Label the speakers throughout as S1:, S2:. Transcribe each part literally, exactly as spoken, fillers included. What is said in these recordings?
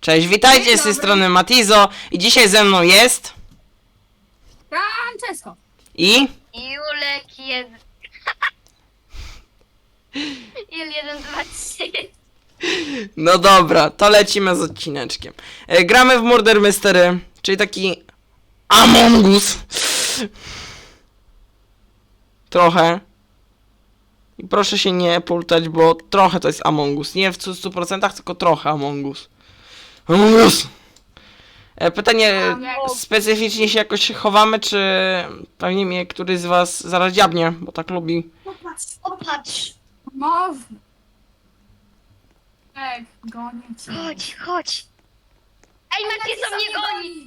S1: Cześć, witajcie z tej strony Matizo i dzisiaj ze mną jest...
S2: Francesco.
S1: I...
S3: Julek jeden... Jul jeden, dwa, trzy.
S1: No dobra, to lecimy z odcineczkiem. E, gramy w Murder Mystery, czyli taki... Among Us. Trochę. I proszę się nie pultać, bo trochę to jest Among Us. Nie w stu procentach, tylko trochę Among Us. Among Us! E, pytanie, specyficznie się jakoś chowamy, czy pewnie mnie któryś z was zaraz dziabnie, bo tak lubi.
S2: Popatrz.
S3: Opatrz.
S2: Można. Tak, gonię cię.
S3: Chodź, chodź. Ej, Matizo mnie goni.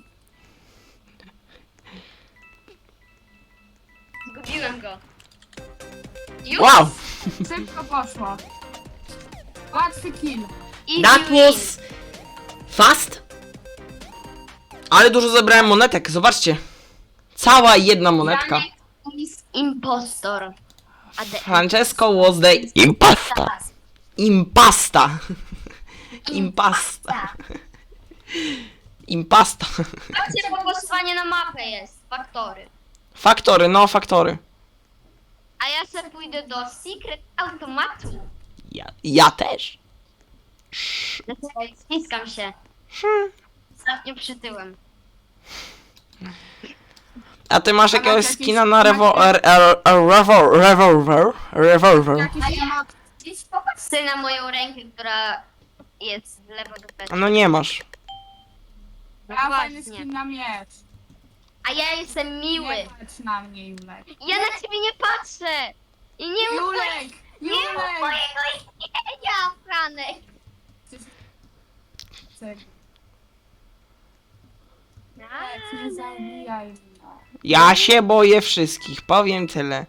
S3: Zgubiłem go. Już?
S1: Wow!
S2: Szybko poszło. Łatwy kill.
S3: Easy
S1: That
S3: win.
S1: was fast. Ale dużo zebrałem monetek, zobaczcie. Cała jedna monetka.
S3: Janek is impostor. A the
S1: Francesco was the impasta. Impasta. Impasta. Impasta.
S3: Patrzcie, bo głosowanie na mapę jest. Faktory.
S1: Faktory, no faktory.
S3: A ja sobie pójdę do Secret Automatu.
S1: Ja, ja też.
S3: Zaczekaj, ściskam się. Ostatnio przytyłem.
S1: A ty masz jakiegoś
S2: jakiś-
S1: skina na rewolwer? Rewolwer? Rewolwer? Rewolwer?
S2: Jakiś temat.
S3: Idź popatrz sobie na moją rękę, która jest z lewo do prawa.
S1: No nie masz.
S3: No
S2: Ja fajny
S3: właśnie.
S2: skin na miecz.
S3: A ja jestem miły.
S2: Nie patrz na mnie, Julek.
S3: Ja na ciebie nie patrzę. I nie mów
S2: Julek!
S3: Nie mów
S2: Julek!
S3: mojego imienia, Franek.
S2: Chcę- Nie zabijaj mnie.
S1: Ja się boję wszystkich, powiem tyle.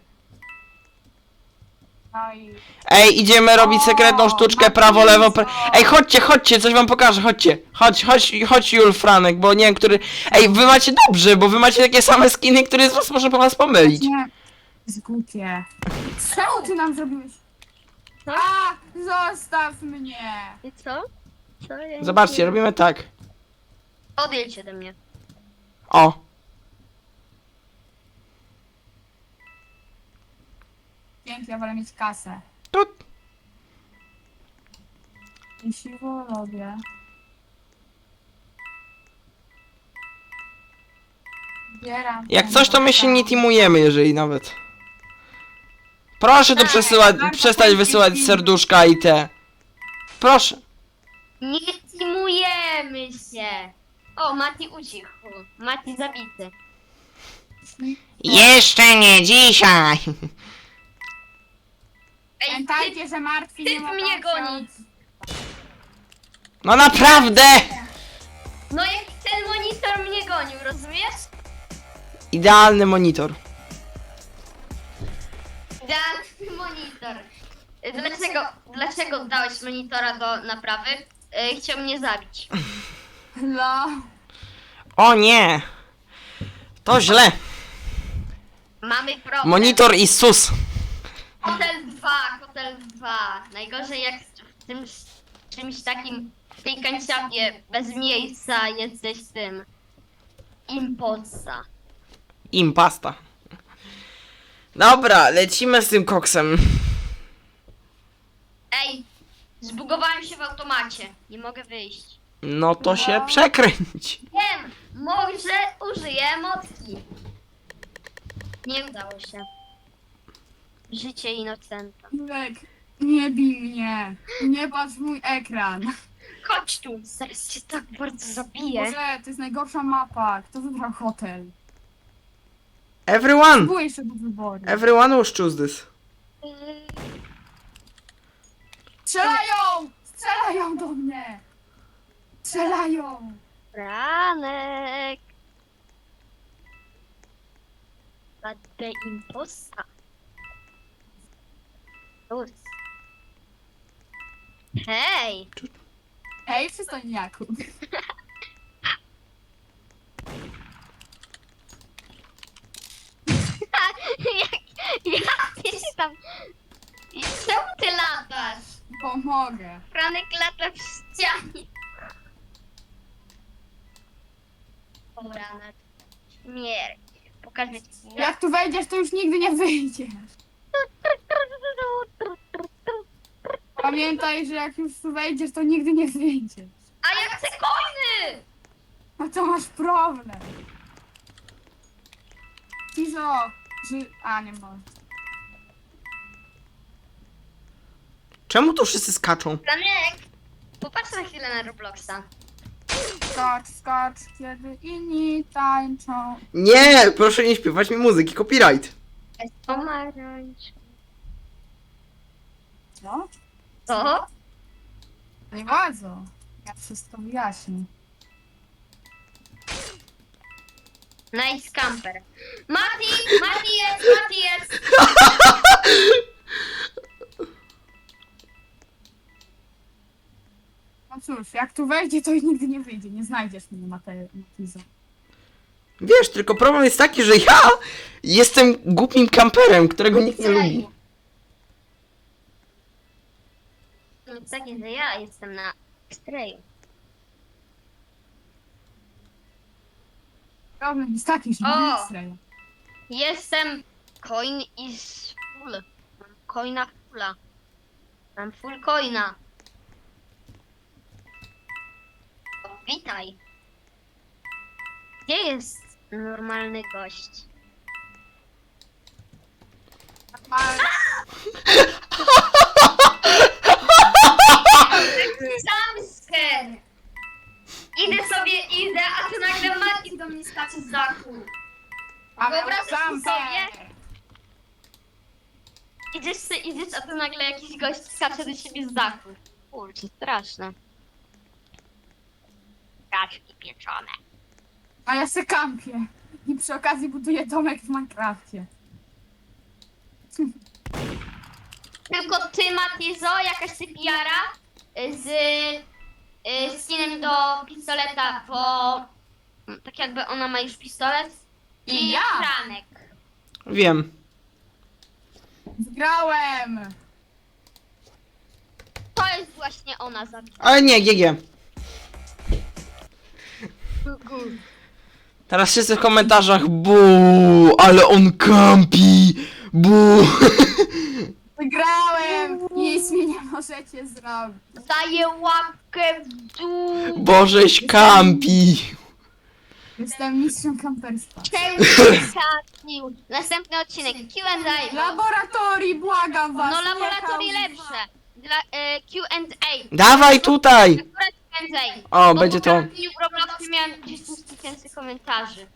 S2: No i...
S1: Ej, idziemy robić sekretną sztuczkę
S2: Matizo.
S1: prawo, lewo, pra... Ej, chodźcie, chodźcie, coś wam pokażę, chodźcie. Chodź, chodź, chodź Jul, Franek, bo nie wiem, który... Ej, wy macie dobrze, bo wy macie takie same skiny, który z was może po was pomylić.
S2: Nie. Zgłupię. Czemu ty nam zrobiłeś? A! Zostaw mnie!
S3: I co? Co? Ja
S1: Zobaczcie, robimy tak.
S3: Odejdź ode mnie.
S1: O.
S2: Pięknie, ja wolę mieć kasę.
S1: Tut.
S2: I siwo lubię. Zbieram.
S1: Jak
S2: ten
S1: coś, to my się nie
S2: dostał.
S1: teamujemy, jeżeli nawet. Proszę to
S3: Tak,
S1: przesyłać,
S2: bardzo
S1: przestać
S2: chętnie
S1: wysyłać
S2: team.
S1: serduszka i te. Proszę.
S3: Nie teamujemy się. O, Mati ucichł. Mati zabity.
S1: Jeszcze nie dzisiaj.
S3: Ej, ty,
S2: Pamiętajcie, że martwi nie
S3: typ
S2: ma
S3: mnie goni.
S1: No naprawdę!
S3: no jak ten monitor mnie gonił, rozumiesz?
S1: Idealny monitor.
S3: Dałem monitor. Dlaczego, dlaczego dałeś monitora do naprawy? Yy, chciał mnie zabić.
S2: No.
S1: O nie! To źle.
S3: Mamy problem.
S1: Monitor i sus.
S3: Hotel dwa, Hotel dwa. Najgorzej jak w tym czymś takim, w tej kanciapie bez miejsca jesteś tym. Imposta.
S1: Impasta. Dobra, lecimy z tym koksem.
S3: Ej, zbugowałem się w automacie. Nie mogę wyjść.
S1: No to się przekręć.
S3: Wiem, może użyję emotki. Nie udało się. Życie inocenta.
S2: Julek, nie bij mnie. Nie patrz w mój ekran.
S3: Chodź tu, zaraz cię tak bardzo zabiję.
S2: Boże, to jest najgorsza mapa. Kto wybrał hotel?
S1: Everyone!
S2: Było jeszcze do wyboru.
S1: Everyone will choose this.
S3: Yy,
S2: Strzelają! Strzelają do mnie! Strzelają!
S3: Franek. Będę imposta. Luz. Hej!
S2: Hej, przystojniaku.
S3: jak, jak ty się tam... Czemu ty latasz?
S2: Pomogę.
S3: Franek lata w ścianie. Dobra, na śmierć. Pokażę ci.
S2: Jak tu wejdziesz, to już nigdy nie wyjdziesz. Pamiętaj, że jak już tu wejdziesz, to nigdy nie wyjdziesz.
S3: A ja chcę coiny!
S2: No to masz problem. Cizo, że... A, nie ma.
S1: Czemu tu wszyscy skaczą?
S3: Franek, popatrz na chwilę na Robloxa.
S2: Skocz, skocz, kiedy inni tańczą.
S1: Nie, proszę nie śpiewać mi muzyki, copyright.
S3: Pomarańcz.
S2: Co?
S3: Co?
S2: Nie bardzo. Ja wszystko wyjaśnię.
S3: Nice camper. Mati! Mati jest! Mati jest!
S2: No cóż, jak tu wejdzie, to i nigdy nie wyjdzie. Nie znajdziesz mnie, Mate- Matizo.
S1: Wiesz, tylko problem jest taki, że ja jestem głupim kamperem, którego nikt nie lubi.
S3: No to takie, że ja jestem na X-rayu.
S2: Problem jest taki, że
S3: O!
S2: mam X-raya.
S3: Jestem coin is full. Mam coina fulla. Mam full coina. O, witaj. Gdzie jest normalny gość?
S2: Ale
S3: Jumpscare! Idę sobie, idę, a tu nagle Mati do mnie skacze z dachu.
S2: ale
S3: Wyobrażasz
S2: sam
S3: sobie? Idziesz, se, idziesz, a tu nagle jakiś gość skacze do siebie z dachu. Kurczę, straszne. Kaczki pieczone.
S2: A ja se kampię. I przy okazji buduję domek w Minecrafcie.
S3: Tylko ty, Matizo, jakaś sypiara z y, skinem do pistoleta, bo tak jakby ona ma już pistolet. I
S2: Ja.
S3: Franek.
S1: Wiem.
S2: Wygrałem!
S3: To jest właśnie ona za
S1: Ale nie, G G. Teraz wszyscy w komentarzach bu, ale on kampi, bu.
S2: Wygrałem! Nic mi nie możecie zrobić.
S3: Daję łapkę w dół.
S1: Bożeś kampi.
S2: Jestem mistrzem kamperstwa.
S3: Przesadził. Następny odcinek Q and A.
S2: Laboratorii, błagam was!
S3: No
S2: nie
S3: laboratorii
S2: chaos.
S3: lepsze. Dla e, Q and A.
S1: Dawaj tutaj.
S3: Akurat Q and A.
S1: O,
S3: Bo
S1: będzie
S3: po
S1: to.
S3: kampieniu w Robloxie miałem dziesięć tysięcy komentarzy.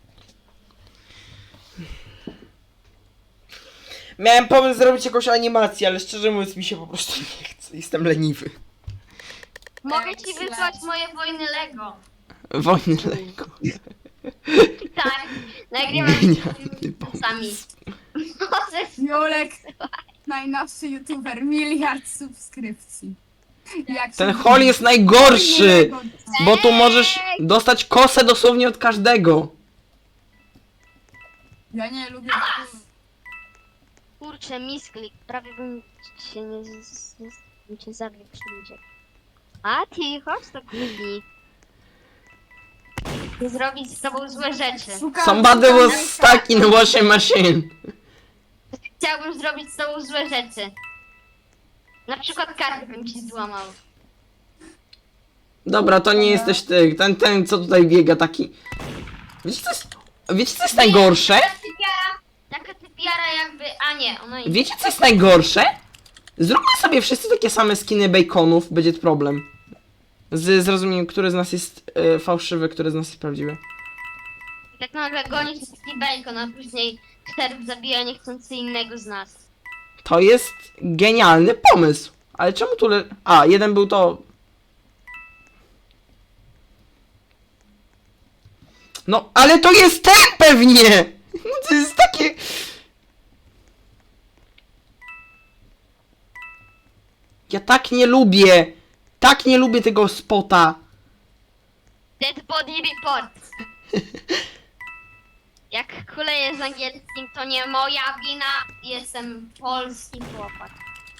S1: Miałem pomysł zrobić jakąś animację, ale szczerze mówiąc mi się po prostu nie chce. Jestem leniwy.
S3: Mogę ci wysłać moje wojny Lego.
S1: Wojny Lego.
S3: Tak. Nagrywam
S1: Genialny pomysł.
S3: sami. Możesz.
S2: Jolek, najnowszy youtuber, miliard subskrypcji. Jak
S1: Ten
S2: się-
S1: hol jest najgorszy,
S2: Ej!
S1: bo tu możesz dostać kosę dosłownie od każdego.
S2: Ja nie lubię.
S3: Kurczę, misklik. Prawie bym się nie... z- z- bym cię zabił przy ludzie. A ty, chodź to kupi. Zrobić z tobą złe rzeczy.
S2: Szukam-
S1: Somebody
S2: szukam
S1: was stuck in washing machine.
S3: Chciałbym zrobić z tobą złe rzeczy. Na przykład kartę bym ci złamał.
S1: Dobra, to nie jesteś ty. Ten, ten co tutaj biega taki. Wiecie co jest, wiecie co jest najgorsze?
S3: Taka typiara, taka typiara jakby... A nie, ona idzie.
S1: Wiecie co jest najgorsze? Zróbmy sobie wszyscy takie same skiny baconów, będzie problem. Z zrozumieniem, który z nas jest e, fałszywy, który z nas jest prawdziwy.
S3: I tak nagle goni się taki bacon, a później szerb zabija niechcący innego z nas.
S1: To jest genialny pomysł. Ale czemu tu le... A, jeden był to... No, ale to jest ten pewnie! No to jest takie... Ja tak nie lubię! Tak nie lubię tego spota!
S3: Dead body report. Jak kuleję z angielskim, to nie moja wina. Jestem polski chłopak.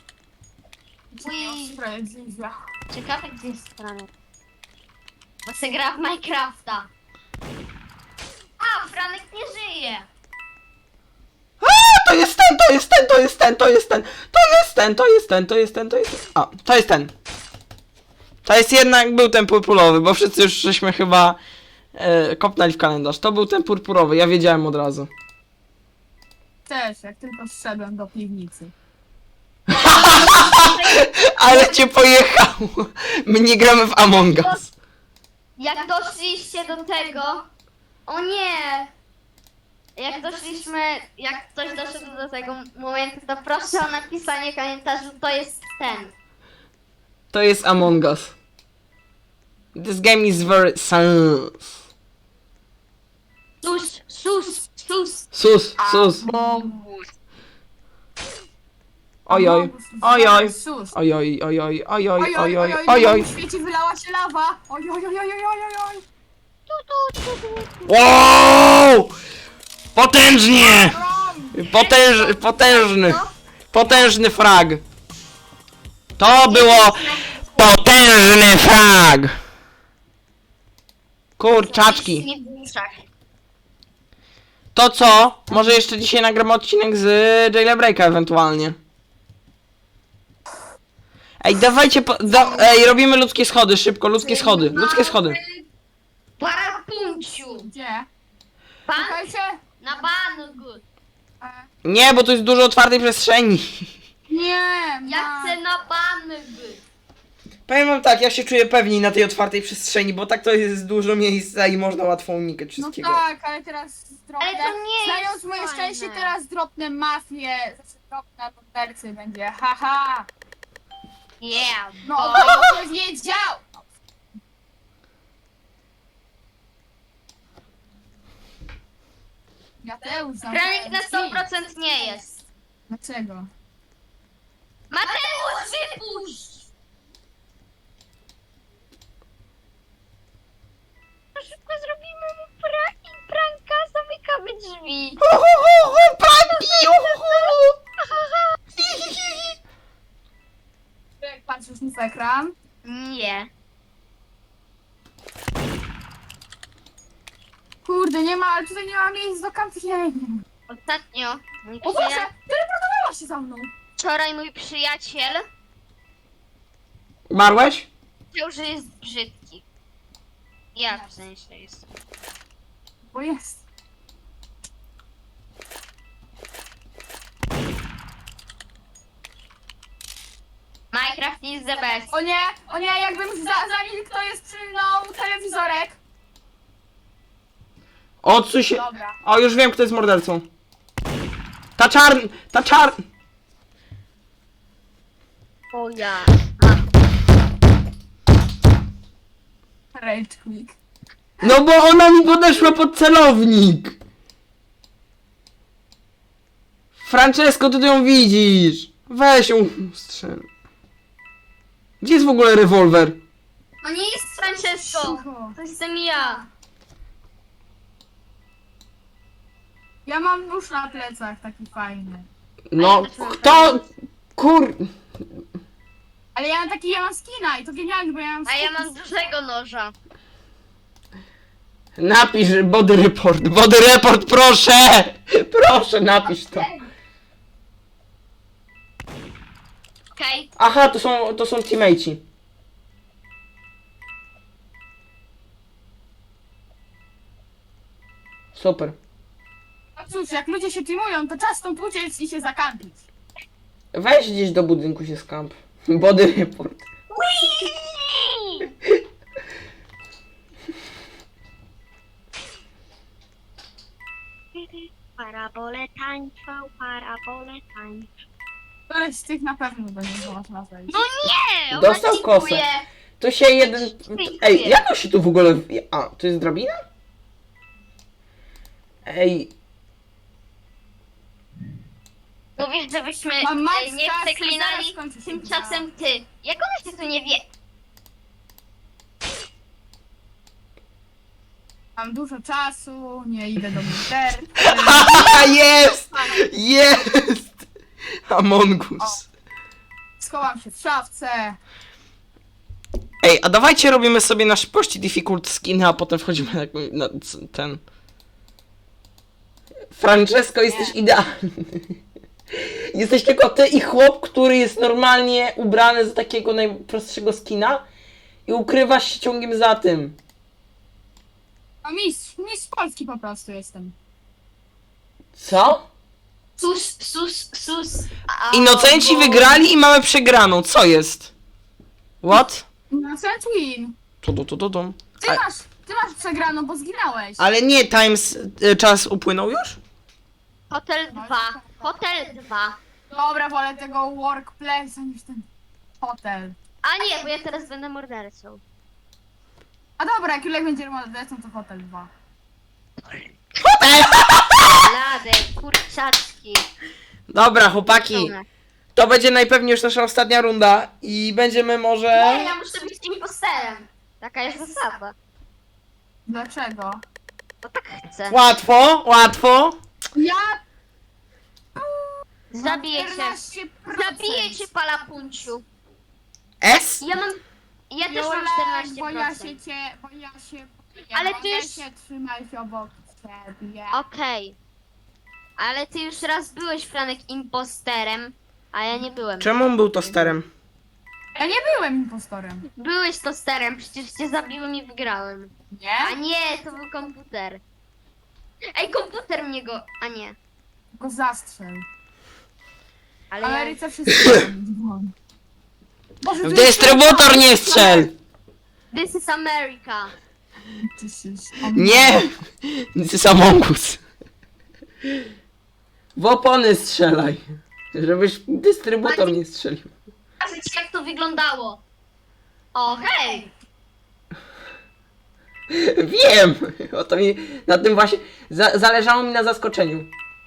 S3: Uj,
S2: Sprawiedliwe.
S3: ciekawe gdzie jest Franek. Bo se gra w Minecrafta. Franek nie żyje.
S1: To jest ten, to jest ten, to jest ten, to jest ten, to jest ten, to jest ten, to jest ten, to jest ten. A, to jest ten. To jest jednak, był ten purpurowy, bo wszyscy już żeśmy chyba e, kopnęli w kalendarz. To był ten purpurowy, ja wiedziałem od razu.
S2: Też, jak tylko zszedłem do piwnicy.
S1: Ale cię pojechało. My nie gramy w Among Us.
S3: Jak doszliście do tego... O nie! Jak doszliśmy, jak ktoś doszedł do tego momentu, to proszę o napisanie w komentarzu, to jest ten.
S1: To jest Among Us. This game is very sus.
S3: Sus, sus, sus.
S1: Sus, sus.
S3: Bogus.
S1: Ojoj, ojoj,
S2: Sus.
S1: ojoj, ojoj, ojoj,
S2: Oj, oj,
S1: ojoj,
S2: oj,
S1: ojoj.
S2: W świecie wylała się lawa. Oj, oj, oj, oj, oj, oj, oj.
S3: Tu, tu, tu, tu.
S1: Wow! Potężnie!
S2: Rom.
S1: Potęż, potężny. Potężny frag. To było potężny frag. Kurczaczki.
S3: Nie w uszach.
S1: To co? Może jeszcze dzisiaj nagramy odcinek z Jailbreaka ewentualnie. Ej, dawajcie po, da, ej, robimy ludzkie schody, szybko, ludzkie schody, ludzkie schody.
S3: Parapunciu.
S2: Gdzie?
S3: Pan
S2: Czekajcie.
S3: na bangu.
S2: E,
S1: Nie, bo tu jest dużo otwartej przestrzeni.
S2: Nie,
S3: Ja
S2: ma.
S3: chcę na bangu.
S1: Powiem wam tak, ja się czuję pewniej na tej otwartej przestrzeni, bo tak to jest dużo miejsca i można łatwo unikać
S2: No
S1: wszystkiego.
S2: tak, ale teraz dropnę.
S3: Ale to nie
S2: Znając
S3: jest
S2: moje
S3: fajne.
S2: szczęście, teraz dropnę mafię. Znaczy dropnę mordercy będzie. Haha.
S3: Yeah,
S2: No,
S3: bo...
S2: to wiedział. Mateusz,
S3: Franek na sto
S2: zamknij.
S3: procent nie jest.
S2: Dlaczego?
S3: Mateusz, wypuść! To szybko zrobimy mu prank, pranka, zamykamy drzwi.
S1: Hu, hu, hu, hu, pranki, uhu.
S2: Jak patrzysz mi w ekran?
S3: Nie.
S2: Kurde, nie ma, ale tutaj nie ma miejsc do kampienia.
S3: Ostatnio mój
S2: O Boże,
S3: przyja...
S2: teleportowała się za mną.
S3: wczoraj mój przyjaciel
S1: Umarłeś?
S3: powiedział, że jest brzydki. Ja w sensie jest.
S2: Bo jest.
S3: Minecraft is the best.
S2: O nie, o nie, jakbym za, zanim ktoś przylnął telewizorek.
S1: Odsuń się.
S2: Dobra.
S1: O, już wiem, kto jest mordercą. Ta czarn... Ta czarn...
S3: O ja.
S2: Rage quick.
S1: No bo ona mi podeszła pod celownik. Francesco, ty ją widzisz. Weź ją strzel. Gdzie jest w ogóle rewolwer?
S3: To nie jest Francesco.
S2: Cicho.
S3: To jestem ja.
S2: Ja mam nóż na plecach taki fajny.
S1: No, kto... Kur...
S2: Ale ja mam taki, ja mam skina i to genialnie, bo ja mam
S3: A ja
S2: skina.
S3: mam dużego noża.
S1: Napisz body report, body report, proszę! Proszę, napisz to.
S3: Okej.
S1: Aha, to są, to są teammateci. Super.
S2: No cóż, jak ludzie się teamują, to czas stąd uciec i się zakampić.
S1: Weź gdzieś do budynku się skamp. Body report.
S3: Parabole tańczą, parabole tańczą.
S2: Któreś z tych na pewno będzie można wejść.
S3: No nie! ona
S1: Dostał
S3: cheatuje.
S1: kosę. To się jeden... Ej, jak on się tu w ogóle... A, to jest drabina? Ej,
S3: Mówisz, żebyśmy
S2: Mam
S3: e,
S2: Max
S3: nie
S2: Kast,
S3: przeklinali,
S2: zaraz kończy się
S3: tymczasem ty. Jak ona się tu nie wie?
S2: Mam dużo czasu, nie idę do mordercy.
S1: haha, jest! Jest! Among Us.
S2: Schowam się w szafce.
S1: Ej, a dawajcie robimy sobie na szybkości difficult skiny, a potem wchodzimy na, na c- ten... Francesco, jesteś idealny. Jesteś tylko ty i chłop, który jest normalnie ubrany za takiego najprostszego skina i ukrywasz się ciągiem za tym.
S2: No mistrz, mistrz Polski po prostu jestem.
S1: Co?
S3: Sus, sus, sus. A,
S1: Inocenci
S3: bo-
S1: wygrali i mamy przegraną. Co jest? What?
S2: Innocent win.
S1: Tu, tu, tu, tu, tu.
S2: Ty
S1: A,
S2: masz, ty masz przegraną, bo zginąłeś.
S1: ale nie, Times, y, czas upłynął już?
S3: Hotel dwa. Hotel dwa.
S2: Dobra, wolę tego workplace'a niż ten hotel.
S3: A nie, bo ja teraz będę mordercą.
S2: A dobra, jak Julek będzie mordercą, to hotel dwa.
S3: Lady, kurczaczki.
S1: Dobra, chłopaki.
S3: Pełne.
S1: To będzie najpewniej już nasza ostatnia runda i będziemy może...
S3: Nie, ja muszę być imposterem. Taka jest zasada.
S2: Dlaczego?
S3: Bo tak chcę.
S1: Łatwo, łatwo.
S2: Ja
S3: Zabiję cię.
S2: czternaście procent.
S3: Zabiję cię, palapunciu.
S1: S?
S3: Ja mam... Ja też mam
S2: Julek,
S3: czternaście
S2: bo ja
S3: procent.
S2: się cię, bo ja się...
S3: Ale
S2: boję
S3: ty już-
S2: się trzymać obok ciebie.
S3: Okej. Ale ty już raz byłeś, Franek, imposterem, a ja nie byłem.
S1: Czemu on był tosterem?
S2: Ja nie byłem impostorem.
S3: Byłeś tosterem, przecież cię zabiłem i wygrałem. A
S2: Nie?
S3: nie, to był komputer. Ej, komputer mnie go... A nie.
S2: Go zastrzel.
S3: Ale
S2: W
S3: ja...
S2: Ameryce wszyscy dzwon. Boże,
S1: W dystrybutor nie strzel!
S3: This is America.
S1: Nie! To jest Among Us. W opony strzelaj. Żebyś w dystrybutor nie strzelił.
S3: Pokażę ci, jak to wyglądało. O, hej!
S1: Wiem! O to mi, na tym właśnie, za, zależało mi na zaskoczeniu.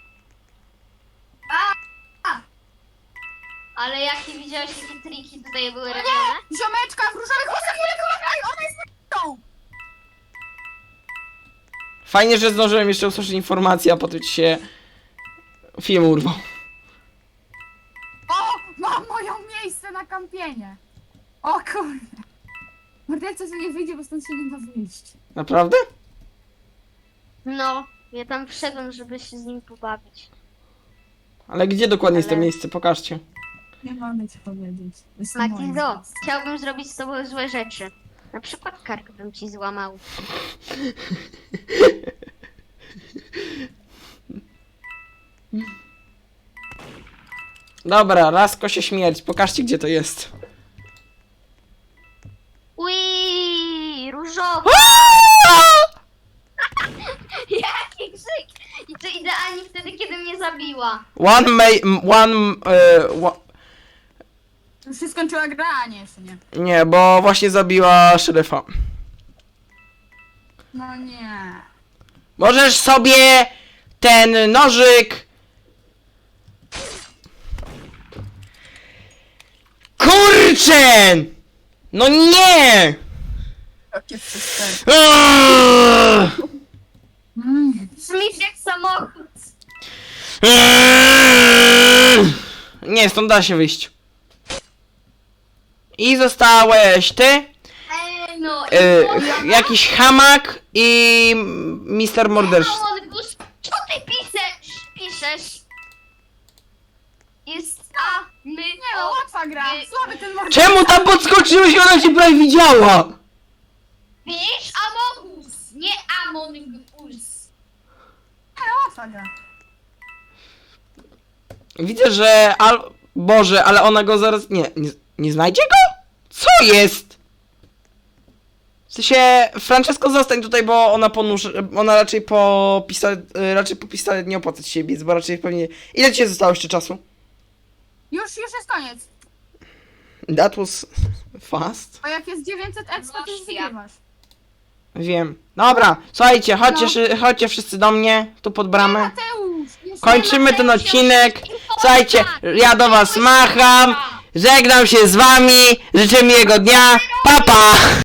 S3: Ale jak nie widziałeś, jakie triki tutaj były robione?
S2: Ziomeczka w różowych włosach, Julek, uważaj, ona jest na
S1: Fajnie, że zdążyłem jeszcze usłyszeć informację, a potem ci się film urwał.
S2: O, mam moje miejsce na kampienie. O kurde. Morderca tu nie wyjdzie, bo stąd się nie da wyjść.
S1: Naprawdę?
S3: No, ja tam wszedłem, żeby się z nim pobawić.
S1: Ale gdzie dokładnie jest to
S3: Ale-
S1: miejsce? Pokażcie.
S2: Nie mogę ci powiedzieć. To jest moje
S3: Matildo,
S2: miejsce.
S3: chciałbym zrobić z tobą złe rzeczy. Na przykład kark bym ci złamał.
S1: Dobra, Lasko się śmierć. Pokażcie, gdzie to jest.
S3: Ui, różowy! Jaki krzyk! I to idealnie wtedy, kiedy mnie zabiła.
S1: One may... m- One... e, wa-
S2: Już się skończyła gra, a nie, jeszcze nie.
S1: nie, bo właśnie zabiła szeryfa.
S2: No nie.
S1: Możesz sobie ten nożyk... Kurczę! No nie!
S2: Jakie przestępstwo.
S1: Aaaa!
S2: Mm.
S3: Brzmisz jak samochód.
S1: Aaaa! Nie, stąd da się wyjść. I zostałeś ty,
S3: Ej, no i
S1: y,
S3: poza-
S1: jakiś hamak i mister Morderz.
S3: Mongus, co ty piszesz? Piszesz? Jest a, my,
S2: Nie no,
S3: o,
S2: łatwa gra.
S3: y,
S2: Słaby ten morderca.
S1: Czemu tam podskoczyłeś, ona cię prawie widziała?
S3: Widzisz? Amogus, nie Amongus.
S2: Nie, łatwa gra.
S1: Widzę, że al... Boże, ale ona go zaraz... Nie, nie, nie znajdzie go? Co jest? W sensie, Francesco, zostań tutaj, bo ona ponurz... Ona raczej po pistolet... y, Raczej po pistolet nie opłaca ci się biec, bo raczej pewnie... Ile ci zostało jeszcze czasu?
S2: Już, już jest koniec.
S1: That was fast.
S2: Bo jak jest dziewięćset expa, to już
S3: Masz ja.
S2: wygrywasz.
S1: Wiem. Dobra, słuchajcie, chodźcie,
S2: No.
S1: szy- chodźcie wszyscy do mnie, tu pod bramę.
S2: Mateusz! jeszcze
S1: Kończymy ten
S3: Mateusz,
S1: odcinek.
S3: już-
S1: Słuchajcie, ja do was macham. Żegnam się z wami. Życzę miłego dnia. Pa, pa!